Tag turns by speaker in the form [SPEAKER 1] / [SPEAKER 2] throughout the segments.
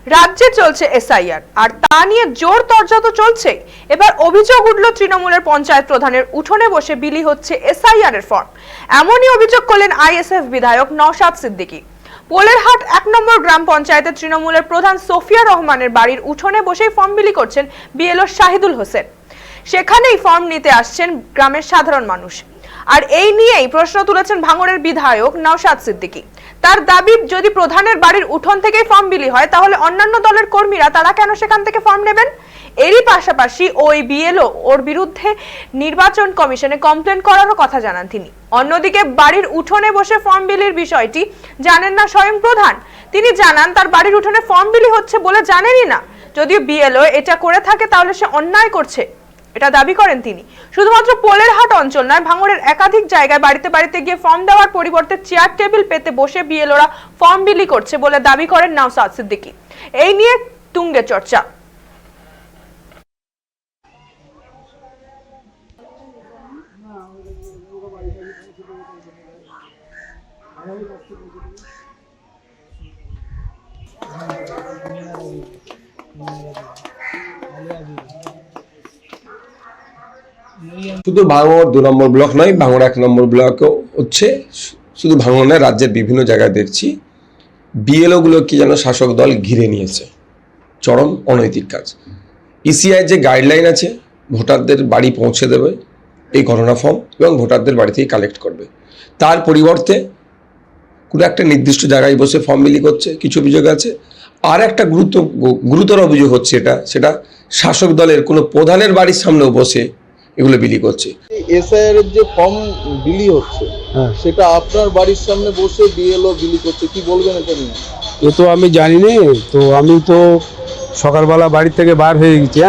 [SPEAKER 1] রাজ্যে চলছে এসআইআর আর তা নিয়ে জোর তর্জা তো চলছেই। এবার অভিযোগ উঠল তৃণমূলের পঞ্চায়েত প্রধানের উঠোনে বসে বিলি হচ্ছে এসআইআর এর ফর্ম। এমনই অভিযোগ করলেন আইএসএফ বিধায়ক নওশাদ সিদ্দিকী। পোলেরহাট ১ নম্বর গ্রাম পঞ্চায়েতের তৃণমূলের প্রধান সোফিয়া রহমানের বাড়ির উঠোনে বসেই ফর্ম বিলি করছেন বিএলও শাহিদুল হোসেন। সেখানেই ফর্ম নিতে আসছেন গ্রামের সাধারণ মানুষ। আর এই নিয়েই প্রশ্ন তুলেছেন ভাঙড়ের বিধায়ক নওশাদ সিদ্দিকী। তার দাবি, যদি প্রধানের বাড়ির উঠোন থেকেই ফর্ম বিলি হয় তাহলে অন্যান্য দলের কর্মীরা তারা কেন সেখান থেকে ফর্ম নেবেন? এরই পাশাপাশি ওই বিএলও ওর বিরুদ্ধে নির্বাচন কমিশনে কমপ্লেন করারও কথা জানান তিনি। অন্যদিকে বাড়ির উঠোনে বসে ফর্ম বিলির বিষয়টি জানেন না স্বয়ং প্রধান। তিনি জানান তার বাড়ির উঠোনে ফর্ম বিলি হচ্ছে বলে জানেনই না। যদিও বিএলও এটা করে থাকে তাহলে সে অন্যায় করছে, এটা দাবি করেন তিনি। শুধুমাত্র পোলেরহাট অঞ্চল নয়, ভাঙড়ের একাধিক জায়গায় বাড়িতে বাড়িতে গিয়ে ফর্ম দেওয়ার পরিবর্তে চেয়ার টেবিল পেতে বসে বিএলওরা ফর্ম বিলি করছে বলে দাবি করেন নওশাদ সিদ্দিকী। এই নিয়ে তুঙ্গে চর্চা।
[SPEAKER 2] শুধু ভাঙড় ২ নম্বর ব্লক নয়, ভাঙড় ১ নম্বর ব্লকও হচ্ছে। শুধু ভাঙড় নয়, রাজ্যের বিভিন্ন জায়গায় দেখছি বিএলও গুলো কি যেন শাসক দল ঘিরে নিয়েছে। চরম অনৈতিক কাজ। ইসিআই যে গাইডলাইন আছে, ভোটারদের বাড়ি পৌঁছে দেবে এই গণনা ফর্ম এবং ভোটারদের বাড়ি থেকে কালেক্ট করবে, তার পরিবর্তে কোনো একটা নির্দিষ্ট জায়গায় বসে ফর্ম বিলি করছে। কিছু অভিযোগ আছে। আর একটা গুরুতর অভিযোগ হচ্ছে সেটা শাসক দলের কোনো প্রধানের বাড়ির সামনেও বসে এগুলো বিলি করছে।
[SPEAKER 3] এসআইআর এর যে ফর্ম বিলি হচ্ছে সেটা আপনার বাড়ির সামনে বসে বিএলও বিলি করছে, কি বলবেন এটা নিয়ে?
[SPEAKER 4] এ তো আমি জানি না, তো আমি তো সকালবেলা বাড়ি থেকে বার হয়ে গেছি।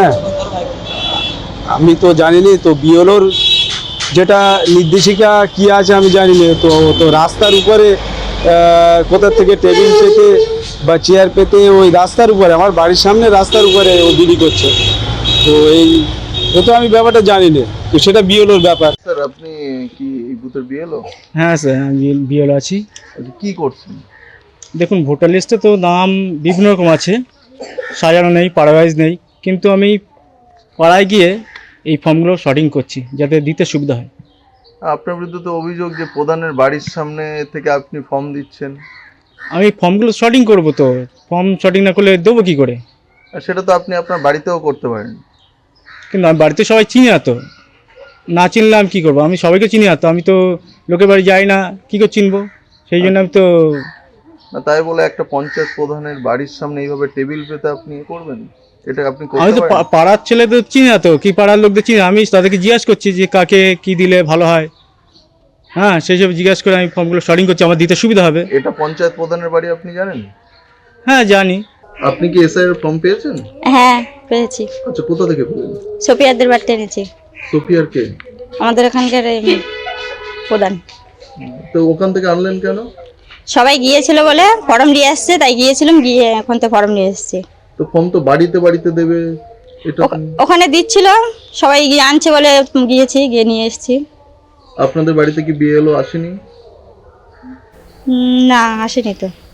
[SPEAKER 4] আমি তো জানি না, তো বিএলওর যেটা নির্দেশিকা কি আছে আমি জানি না। তো রাস্তার উপরে কোথা থেকে টেবিল পেতে বা চেয়ার পেতে ওই রাস্তার উপরে, আমার বাড়ির সামনে রাস্তার উপরে ও বিলি করছে। তো তো আমি ব্যাপারটা জানি না, তো সেটা বিএলওর ব্যাপার।
[SPEAKER 3] স্যার, আপনি কি এই বুথের বিএলও?
[SPEAKER 5] হ্যাঁ স্যার, আমি বিএলও আছি।
[SPEAKER 3] কি করছেন?
[SPEAKER 5] দেখুন, ভোটার লিস্টে তো নাম বিভিন্ন রকম আছে, সাজানো নেই, পাড়া ওয়াইজ নেই, কিন্তু আমি পাড়ায় গিয়ে এই ফর্মগুলো শর্টিং করছি যাতে দিতে সুবিধা হয়।
[SPEAKER 3] আপনার বিরুদ্ধে তো অভিযোগ যে প্রধানের বাড়ির সামনে থেকে আপনি ফর্ম দিচ্ছেন।
[SPEAKER 5] আমি ফর্মগুলো শর্টিং করবো, তো ফর্ম শর্টিং না করলে দেবো কী করে?
[SPEAKER 3] সেটা তো আপনি আপনার বাড়িতেও করতে পারেন।
[SPEAKER 5] কিন্তু আমি বাড়িতে সবাই চিনি না, তো না চিনলে আমি কী করবো? আমি সবাইকে চিনি না, তো আমি তো লোকের বাড়ি যাই না, কী করে চিনবো? সেই জন্য আমি তো
[SPEAKER 3] না, তাই বলে একটা পঞ্চায়েত প্রধানের বাড়ির সামনে এইভাবে টেবিল পেতে আপনি করবেন? এটা আপনি
[SPEAKER 5] আমি তো
[SPEAKER 3] করতে পারেন?
[SPEAKER 5] পাড়ার ছেলে তো চিনি না, তো কি পাড়ার লোকদের চিনি, আমি তাদেরকে জিজ্ঞাসা করছি যে কাকে কি দিলে ভালো হয়। হ্যাঁ, সেই সব জিজ্ঞাসা করে আমি ফর্মগুলো শর্টিং করছি, আমার দিতে সুবিধা হবে।
[SPEAKER 3] এটা পঞ্চায়েত প্রধানের বাড়ি, আপনি জানেন?
[SPEAKER 5] হ্যাঁ জানি।
[SPEAKER 3] আপনি কি এসআইআর ফর্ম পেয়েছেন?
[SPEAKER 6] হ্যাঁ পেয়েছি।
[SPEAKER 3] আচ্ছা, কোথা থেকে পেলেন?
[SPEAKER 6] সোফিয়াদের বাড়িতে এনেছি।
[SPEAKER 3] সোফিয়ার কে?
[SPEAKER 6] আমাদের এখানকার প্রধান।
[SPEAKER 3] তো ওখান থেকে আনলেন কেন?
[SPEAKER 6] সবাই গিয়েছিল বলে ফর্ম নিয়ে আসছে, তাই গিয়েছিলাম, গিয়ে এখন তো ফর্ম নিয়ে এসেছি।
[SPEAKER 3] তো ফর্ম তো বাড়িতে বাড়িতে দেবে, এটা
[SPEAKER 6] ওখানে দিচ্ছিল, সবাই গিয়ে আনছে বলে গিয়েছি, গিয়ে নিয়ে এসেছি।
[SPEAKER 3] আপনাদের বাড়িতে কি বিএলও আসেনি?
[SPEAKER 6] না, আসেনি তো।